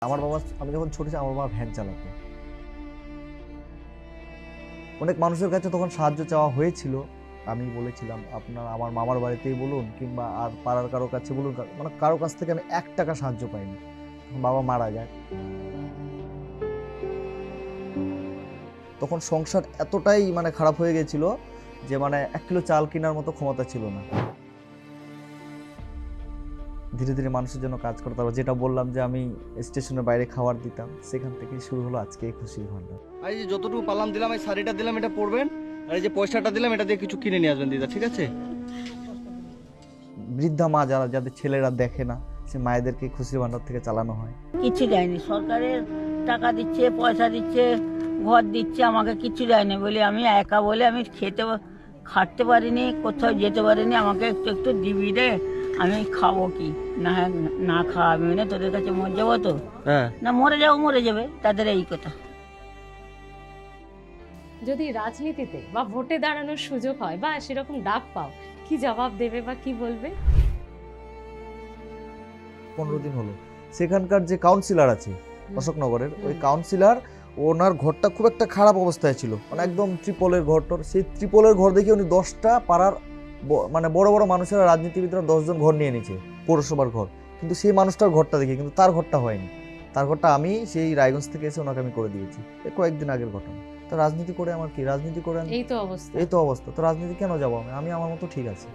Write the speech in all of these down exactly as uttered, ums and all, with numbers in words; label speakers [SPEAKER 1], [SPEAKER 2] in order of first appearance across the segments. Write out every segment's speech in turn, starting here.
[SPEAKER 1] আমার বাবা, আমি যখন ছোট ছিলাম আমার বাবা ভ্যান চালাতো। অনেক মানুষের কাছে তখন সাহায্য চাওয়া হয়েছিল। আমি বলেছিলাম আপনার আমার মামার বাড়িতেই বলুন কিংবা আর পাড়ার কারো কাছে বলুন, মানে কারো কাছ থেকে আমি এক টাকা সাহায্য পাইনি। বাবা মারা যায়, তখন সংসার এতটাই মানে খারাপ হয়ে গেছিল যে মানে এক কিলো চাল কেনার মতো ক্ষমতা ছিল না। ধীরে ধীরে মানুষের জন্য কাজ করতে হবে। যেটা বললাম যে আমি স্টেশনের বাইরে খাবার দিতাম, সেখান থেকে শুরু হলো আজকে এই খুশির ভান্ডার।
[SPEAKER 2] আর এই যে যতটুকু পারলাম দিলাম, এই শাড়িটা দিলাম, এটা পরবেন, আর এই যে পয়সাটা দিলাম এটা দিয়ে কিছু কিনে নিয়ে আসবেন দিদা, ঠিক আছে?
[SPEAKER 1] বৃদ্ধা মা যারা, যাদের ছেলেরা দেখে না, সে মায়েদেরকে খুশির ভান্ডার থেকে চালানো হয়।
[SPEAKER 3] কিছু দেয়নি, সরকারের টাকা দিচ্ছে, পয়সা দিচ্ছে, ঘর দিচ্ছে, আমাকে কিছু দেয়নি বলে আমি একা বলে আমি খেতে খাটতে পারিনি, কোথাও যেতে পারিনি। আমাকে একটু একটু দিবি রে, আমি খাবো কি না, না খাওয়াবি না, তোদের কাছে মরে যাবো তো,
[SPEAKER 2] হ্যাঁ
[SPEAKER 3] না মরে যাবো মরে যাবে, তাদের এই কথা।
[SPEAKER 4] যদি রাজনীতিতে বা ভোটে দাঁড়ানোর সুযোগ হয় বা সেরকম ডাক পাও, কি জবাব দেবে বা কি বলবে?
[SPEAKER 1] পনেরো দিন হলো সেখানকার যে কাউন্সিলর আছে অশোকনগরের, ওই কাউন্সিলর, ওনার ঘরটা খুব একটা খারাপ অবস্থায় ছিল, মানে একদম ত্রিপলের ঘরটর। সেই ত্রিপলের ঘর দেখে উনি দশটা পাড়ার মানে বড় বড় মানুষেরা, রাজনীতিবিদরা দশজন ঘর নিয়ে নিয়েছে, পৌরসভার ঘর। কিন্তু সেই মানুষটার ঘরটা দেখে, কিন্তু তার ঘরটা হয়নি। তার ঘরটা আমি সেই রায়গঞ্জ থেকে এসে ওনাকে আমি করে দিয়েছি, এই কয়েকদিন আগের ঘটনা। তো রাজনীতি করে আমার কি, রাজনীতি করে
[SPEAKER 4] এই তো অবস্থা,
[SPEAKER 1] এই তো অবস্থা, তো রাজনীতি কেন যাবো আমি? আমি আমার মতো ঠিক আছে।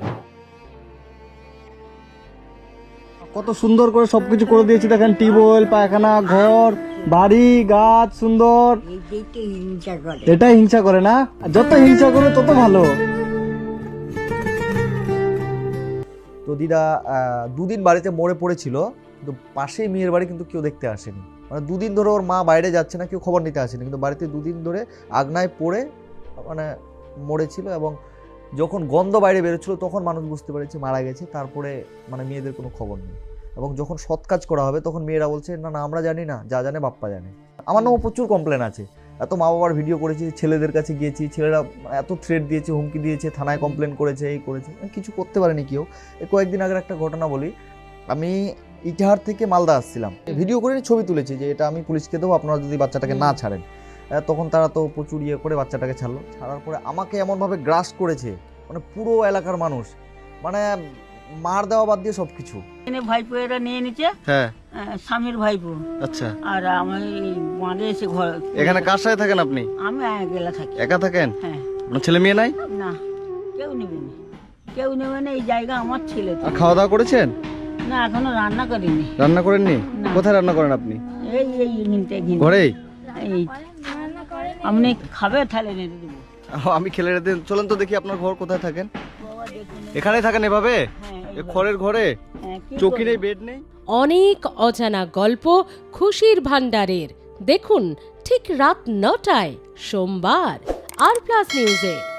[SPEAKER 2] কত সুন্দর করে সবকিছু করে দিয়েছি, দেখেন, টিউবওয়েল, পায়খানা, ঘর, বাড়ি, গাছ, সুন্দর। এটাই হিংসা করে না? যত হিংসা করে তত ভালো।
[SPEAKER 1] তো দিদা দুদিন বাড়িতে মরে পড়েছিল, কিন্তু পাশেই মেয়ের বাড়ি কিন্তু কেউ দেখতে আসেনি। মানে দুদিন ধরে ওর মা বাইরে যাচ্ছে না, কেউ খবর নিতে আসেনি, কিন্তু বাড়িতে দুদিন ধরে আগনায় পড়ে মানে মরেছিল। এবং যখন গন্ধ বাইরে বেরোচ্ছিল তখন মানুষ বুঝতে পেরেছে মারা গেছে। তারপরে মানে মেয়েদের কোনো খবর নেই। এবং যখন সৎ কাজ করা হবে তখন মেয়েরা বলছে না না আমরা জানি না, যা জানে বাপ্পা জানে। আমার নামও প্রচুর কমপ্লেন আছে, এত মা বাবার ভিডিও করেছি, ছেলেদের কাছে গিয়েছি, ছেলেরা এত থ্রেট দিয়েছে, হুমকি দিয়েছে, থানায় কমপ্লেন করেছে, এই করেছে, কিছু করতে পারেনি কেউ। এই কয়েকদিন আগের একটা ঘটনা বলি, আমি ইটাহার থেকে মালদা আসছিলাম, ভিডিও করে ছবি তুলেছি যে এটা আমি পুলিশকে দেবো আপনারা যদি বাচ্চাটাকে না ছাড়েন। তখন তারা তো প্রচুর ইয়ে করে বাচ্চাটাকে ছাড়লো। ছাড়ার পরে আমাকে এমনভাবে গ্রাস করেছে, মানে পুরো এলাকার মানুষ, মানে মার দেওয়া বাদ দিয়ে সবকিছু।
[SPEAKER 3] ভাইপো এরা নিয়ে নিচ্ছে,
[SPEAKER 2] হ্যাঁ
[SPEAKER 3] স্বামীর ভাইপো।
[SPEAKER 2] আচ্ছা,
[SPEAKER 3] আর আমি বাঁধে এসে ঘর।
[SPEAKER 2] এখানে কার সাথে থাকেন আপনি?
[SPEAKER 3] আমি একলা থাকি।
[SPEAKER 2] একা থাকেন?
[SPEAKER 3] হ্যাঁ।
[SPEAKER 2] আপনার ছেলে মেয়ে নাই?
[SPEAKER 3] না, কেউ নেবে না, কেউ নেবে না, এই জায়গা আমার ছেলে।
[SPEAKER 2] আর খাওয়া দাওয়া করেছেন?
[SPEAKER 3] না, এখনো রান্না করিনি।
[SPEAKER 2] রান্না করেননি? কোথায় রান্না করেন আপনি?
[SPEAKER 3] এই এই ঘিনতে ঘিনতে
[SPEAKER 2] ঘরেই?
[SPEAKER 3] এই আপনি খাবে তাহলে নেড়ে দেবো।
[SPEAKER 2] আমি খেলে রেখে দিন। চলেন তো দেখি আপনার ঘর কোথায় থাকেন। এখানে থাকেন এভাবে এ খড়ের ঘরে? চৌকি নেই, বেড নেই?
[SPEAKER 4] অনেক অজানা গল্প খুশির ভান্ডারের দেখুন ঠিক রাত নটায় সোমবার আর প্লাস নিউজে।